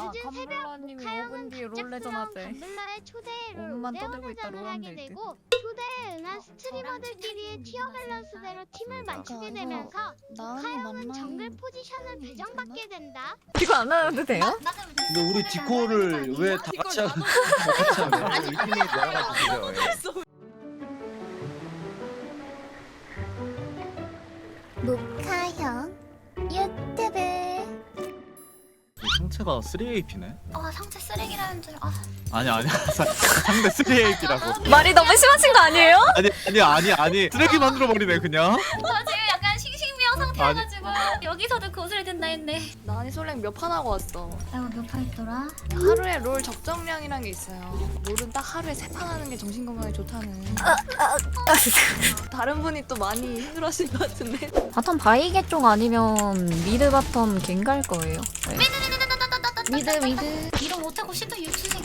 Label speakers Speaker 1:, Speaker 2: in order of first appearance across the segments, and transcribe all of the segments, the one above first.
Speaker 1: 늦은 새벽
Speaker 2: 감블러님이
Speaker 1: 카영은
Speaker 2: 5분 뒤에 롤 레전
Speaker 1: 갑작스러운
Speaker 2: 하재.
Speaker 1: 감블러의 초대에 롤
Speaker 2: 몸만 떠들고 있다,
Speaker 1: 오대원회전을
Speaker 2: 롤
Speaker 1: 하게
Speaker 2: 하면 될
Speaker 1: 되고 초대에 응한 스트리머들끼리의 티어 밸런스대로 팀을 맞추게 되면서 카영은 정글 포지션을 배정받게 된다.
Speaker 2: 이거 안 하셔도 돼요?
Speaker 3: 근데 우리 디코를 왜 다 같이 하고 같이 하면 이 팀이 나가지고
Speaker 4: 모카형 유튜브.
Speaker 3: 상체가 3AP네?
Speaker 4: 상체 쓰레기라는 줄.
Speaker 3: 아니야 상대 3AP라고.
Speaker 2: 말이 너무 심하신 거 아니에요?
Speaker 3: 아니 쓰레기 만들어버리네 그냥.
Speaker 4: 저 지금 약간 싱싱미어 상태여가지고 여기서도 거슬 된다 했네.
Speaker 2: 나니 솔랭 몇 판 하고 왔어.
Speaker 4: 아이고 몇 판 있더라?
Speaker 2: 하루에 롤 적정량이란 게 있어요. 롤은 딱 하루에 3판 하는 게 정신 건강에 좋다는. 다른 분이 또 많이 힘들어하실 것 같은데. 바텀 바이게 쪽 아니면 미드 바텀 갱 갈 거예요. 네. 미드.
Speaker 4: 이런 못하고 싶다 유치생.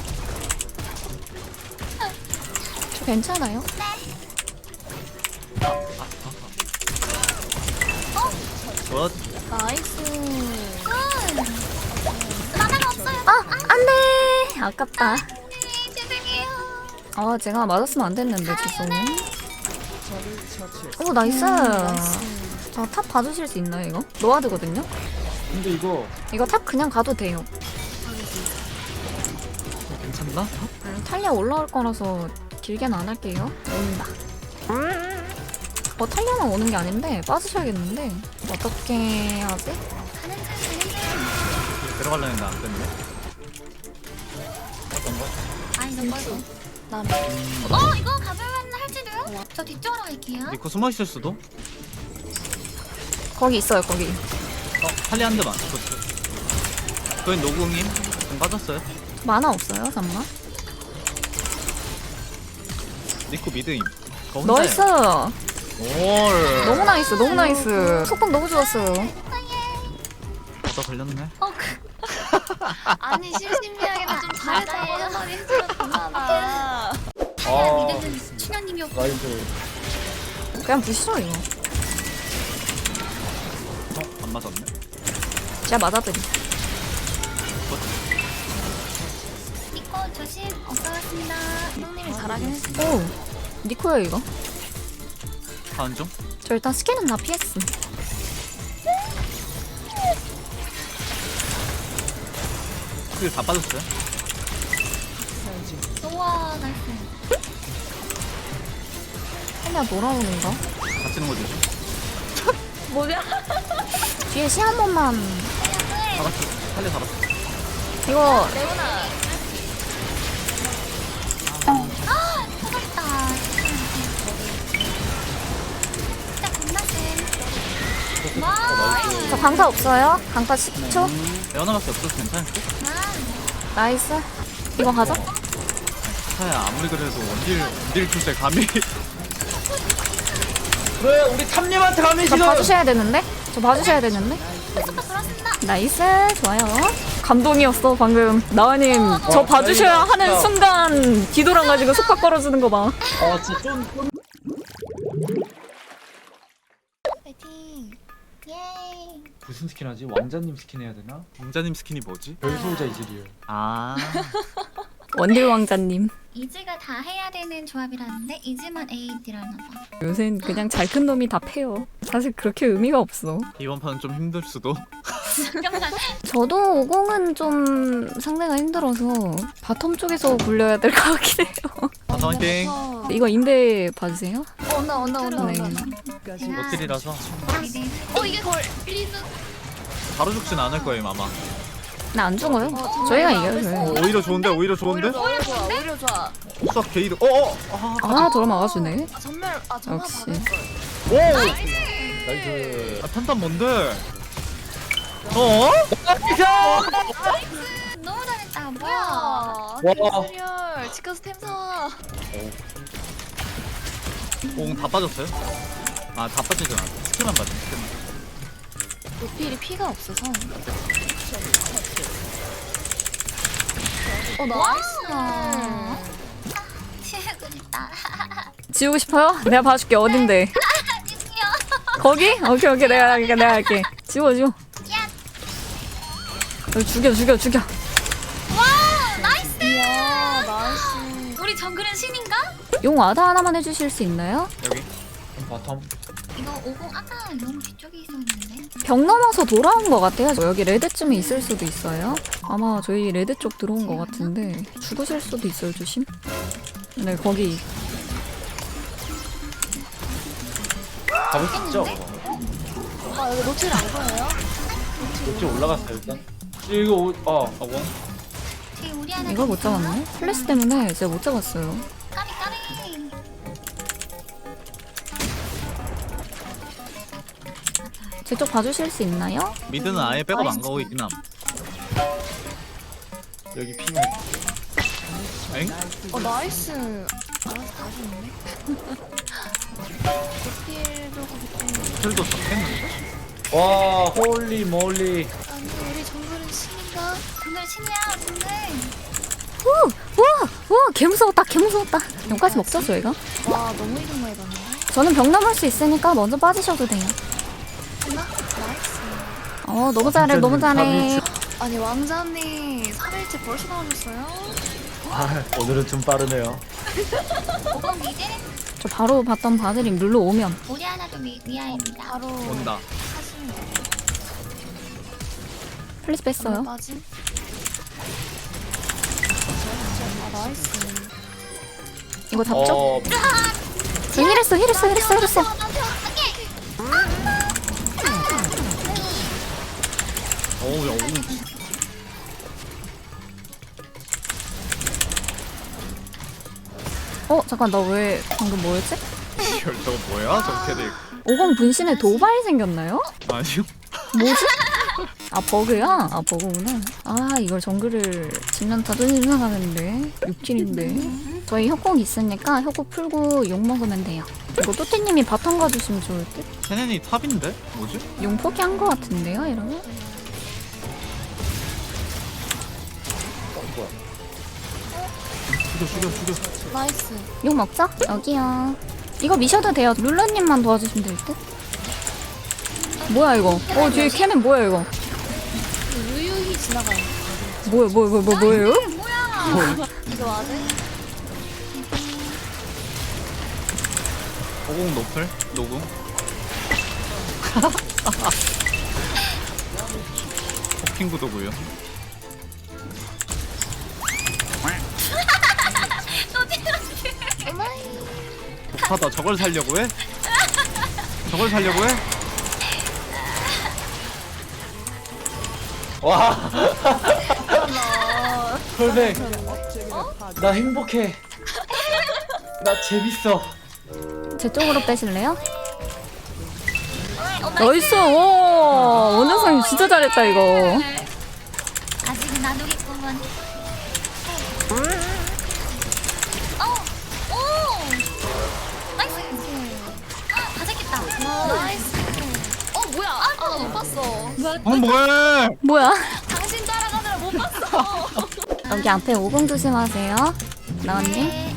Speaker 2: 저 괜찮아요?
Speaker 3: 굿.
Speaker 2: 나이스.
Speaker 4: 만화가 없어요.
Speaker 2: 안돼. 아깝다.
Speaker 4: 네, 죄송해요.
Speaker 2: 제가 맞았으면 안 됐는데 죄송해. 오 나이스. 저 탑 봐주실 수 있나요 이거? 노아드거든요?
Speaker 3: 근데 이거
Speaker 2: 탑 그냥 가도 돼요.
Speaker 3: 괜찮나?
Speaker 2: 탈리아 올라올 거라서 길게는 안 할게요. 온다. 탈리아만 오는 게 아닌데 빠지셔야겠는데 어떻게 하지?
Speaker 3: 들어가려 했는데 안 됐네. 어떤 거?
Speaker 4: 아니 너 빨리.
Speaker 2: 나
Speaker 4: 이거 가져가면 할지도요? 저 뒤쪽으로 갈게요.
Speaker 3: 니코 숨어 있을 수도?
Speaker 2: 거기 있어요 거기.
Speaker 3: 탈리 한 대만. 저희 노궁님 좀 빠졌어요.
Speaker 2: 만화 없어요 잠만.
Speaker 3: 니코 미드임.
Speaker 2: 나이스.
Speaker 3: 올.
Speaker 2: 너무 나이스 너무 나이스. 속박 너무 좋았어요.
Speaker 3: 나 걸렸네.
Speaker 2: 아니 심심미하게도 좀 잘했다고 하는 말이 해주셨잖아.
Speaker 4: 미드는 춘향님이었고.
Speaker 3: 나이스.
Speaker 2: 그냥 부시죠 이거.
Speaker 3: 안 맞았네.
Speaker 2: 제가 맞아드리.
Speaker 4: 니코 조심. 없어갔습니다.
Speaker 2: 형님이 잘하긴 했어. 오 니코야 이거.
Speaker 3: 다음 중.
Speaker 2: 저 일단 스캔은 다 PS.
Speaker 3: 그게 다 빠졌어요.
Speaker 4: 우와 나이스.
Speaker 2: 탈리아 돌아오는가?
Speaker 3: 갇히는 거지.
Speaker 2: 뭐냐? 뒤에 시 한 번만.
Speaker 3: 잡았어. 탈리 잡았어.
Speaker 2: 이거
Speaker 4: 레오나. 터졌다. 진짜 겁나 쎄. 와.
Speaker 2: 저 강타 없어요? 강타 10초?
Speaker 3: 레오나밖에 없어서 괜찮을까?
Speaker 2: 나이스. 이거 가자.
Speaker 3: 타야 아무리 그래도 원딜 킬때 감히. 왜 우리 탐님한테 감히
Speaker 2: 저 봐주셔야 되는데? 저 봐주셔야 되는데? 나이스. 좋아요. 감동이었어 방금. 나은님 저 봐주셔야 하는 순간 뒤돌아가지고 속박 걸어주는 거 봐.
Speaker 3: 진짜 좀.
Speaker 4: 파이팅. 예이.
Speaker 5: 무슨 스킨 하지? 왕자님 스킨 해야 되나?
Speaker 3: 왕자님 스킨이 뭐지?
Speaker 5: 별소자 이즈리얼.
Speaker 3: 아.
Speaker 2: 원딜 왕자님.
Speaker 4: 이즈가 다 해야 되는 조합이라는데 이즈만 AD라나 봐.
Speaker 2: 요샌 그냥 잘 큰 놈이 다 패요. 사실 그렇게 의미가 없어.
Speaker 3: 이번 판은 좀 힘들 수도.
Speaker 2: 저도 50은 좀 상대가 힘들어서 바텀 쪽에서 굴려야 될 것 같긴 해요.
Speaker 3: 바텀 화이팅.
Speaker 2: 이거 인베 봐주세요.
Speaker 4: 온다.
Speaker 2: 네.
Speaker 3: 노틸이라서
Speaker 4: 이게 걸리는.
Speaker 3: 바로 죽진 않을 거예요 아마.
Speaker 2: 나 안 죽어요. 저희가 이겨요. 저희.
Speaker 3: 오히려 좋은데 오히려 좋은데?
Speaker 6: 오히려 좋아.
Speaker 3: 싹 게이드.
Speaker 2: 저러 막아주네.
Speaker 6: 전멸
Speaker 2: 역시.
Speaker 3: 오.
Speaker 5: 나이스.
Speaker 3: 탄탄 뭔데?
Speaker 4: 너무 잘했다. 뭐야?
Speaker 5: 와.
Speaker 6: 이즈리얼 치카스 템사.
Speaker 3: 다 빠졌어요? 다 빠지진 않아. 스킬만 빠져. 스킬만.
Speaker 2: 노필이 피가 없어서.
Speaker 4: 나이스. 치우고 싶다.
Speaker 2: 지우고 싶어요? 내가 봐줄게. 어딘데? 거기? 오케이 내가 할게. 지워. 죽여.
Speaker 6: 이야 나이스.
Speaker 4: 우리 정글은 신인가?
Speaker 2: 용 와드 하나만 해주실 수 있나요?
Speaker 5: 여기 바텀.
Speaker 4: 이거 50 아까 너무 뒤쪽에 있었는데.
Speaker 2: 벽 넘어서 돌아온 것 같아요. 여기 레드쯤에 있을 수도 있어요. 아마 저희 레드 쪽 들어온 것 같은데 죽으실 수도 있어요. 조심. 네, 거기.
Speaker 5: 잡을 수 있죠?
Speaker 6: 아 여기 노틸 안 보여요?
Speaker 5: 이쪽 올라갔어요 일단. 이거 원.
Speaker 4: 지금 우리 하나
Speaker 2: 이걸 못 잡았네? 플래시 때문에 제가 못 잡았어요.
Speaker 4: 까비.
Speaker 2: 제 쪽 봐주실 수 있나요?
Speaker 3: 미드는 아예 백업 안 가고 있긴 함.
Speaker 5: 여기 피면.
Speaker 3: 엥?
Speaker 6: 나이스. 알아서 다 죽네. 노틸도 그렇고.
Speaker 3: 틀도 잡겠는데?
Speaker 5: 와 홀리 몰리.
Speaker 6: 아니 우리 정글은 신인가?
Speaker 4: 정글 신이야 정글.
Speaker 2: 우와, 개 무서웠다. 용까지 먹죠, 저희가?
Speaker 6: 와 너무 이름 많이 봤네.
Speaker 2: 저는 벽 넘을 수 있으니까 먼저 빠지셔도 돼요.
Speaker 6: 나이스.
Speaker 2: 너무 잘해.
Speaker 6: 아니 왕자님 3일째 벌써 나오셨어요?
Speaker 5: 아 오늘은 좀 빠르네요.
Speaker 4: 50 미드.
Speaker 2: 저 바로 봤던 바드림 룰러 오면.
Speaker 4: 우리 하나도 위아입니다.
Speaker 6: 바로
Speaker 3: 온다.
Speaker 6: 하시면 돼요.
Speaker 2: 플래시 뺐어요.
Speaker 6: 빠짐. 아 나이스.
Speaker 2: 이거 잡죠? 힐했어.
Speaker 3: 어우 야
Speaker 2: 잠깐, 나 왜 방금 뭐였지?
Speaker 3: 저거 뭐야? 저 캐릭.
Speaker 2: 50 분신에 도발이 생겼나요?
Speaker 3: 아니요.
Speaker 2: 뭐지? 아, 버그야? 버그구나. 이걸 정글을 지면 자존심 상하는데. 6킬인데. 저희 협곡 있으니까 협곡 풀고 용 먹으면 돼요. 이거 또띠님이 바텀 가주시면 좋을 듯?
Speaker 3: 케넨이 탑인데? 뭐지?
Speaker 2: 용 포기한 거 같은데요, 이러면?
Speaker 5: 죽여.
Speaker 6: 나이스.
Speaker 2: 용 먹자. 여기요. 이거 미셔도 돼요. 룰러님만 도와주시면 될 듯? 뭐야, 이거? 뒤에 캐는 뭐야, 이거?
Speaker 6: 유유히 지나가요.
Speaker 2: 뭐예요?
Speaker 6: 이거 와드?
Speaker 3: 오공 노플? 노궁? 호핑 구도고요. 못하다. 저걸 살려고 해?
Speaker 5: 와. 홀백. 나 행복해. 나 재밌어.
Speaker 2: 제 쪽으로 빼실래요? 나이스! 와, 원정상 진짜 잘했다, 이거.
Speaker 4: 아직은 안 오겠구먼. 오! 나이스! 다 잡겠다.
Speaker 6: 나이스. 뭐야? 못 봤어.
Speaker 3: 뭐해?
Speaker 2: 뭐야?
Speaker 6: 당신 따라가느라 못 봤어.
Speaker 2: 여기 앞에 50 조심하세요. 나왔니?
Speaker 4: 네.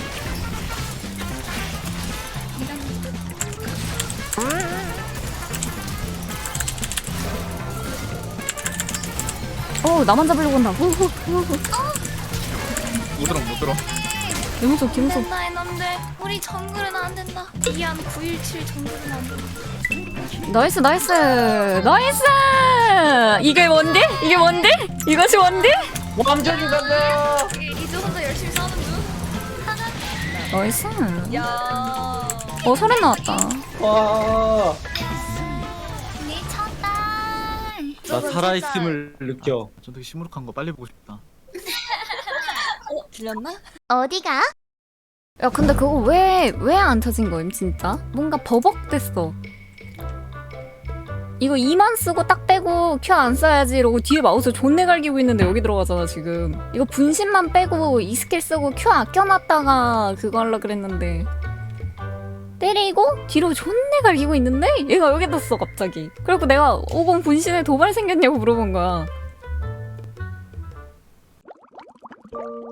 Speaker 2: 나만 잡으려고 한다.
Speaker 3: 못 들어.
Speaker 2: 김우석.
Speaker 6: 된다 이놈들. 우리 정글은 안 된다. 이안 917 정글은 안 된다.
Speaker 2: 나이스! 이게 뭔데? 이것이 뭔데?
Speaker 5: 완전히 간다.
Speaker 6: 이제 혼자 열심히 싸는 중.
Speaker 2: 나이스.
Speaker 6: 야.
Speaker 2: 소리 나왔다.
Speaker 5: 와.
Speaker 4: 미쳤다.
Speaker 3: 나 살아있음을 느껴. 저 되게 시무룩한 거 빨리 보고 싶다.
Speaker 6: 들렸나?
Speaker 1: 어디가?
Speaker 2: 야, 근데 그거 왜 안 터진 거임, 진짜? 뭔가 버벅댔어. 이거 2만 쓰고 딱 빼고 큐 안 써야지 이러고 뒤에 마우스 존내 갈기고 있는데 여기 들어가잖아, 지금. 이거 분신만 빼고 이 스킬 쓰고 큐 아껴놨다가 그거 하려 그랬는데. 때리고 뒤로 존내 갈기고 있는데 얘가 여기 떴어, 갑자기. 그래갖고 내가 50 분신에 도발 생겼냐고 물어본 거야.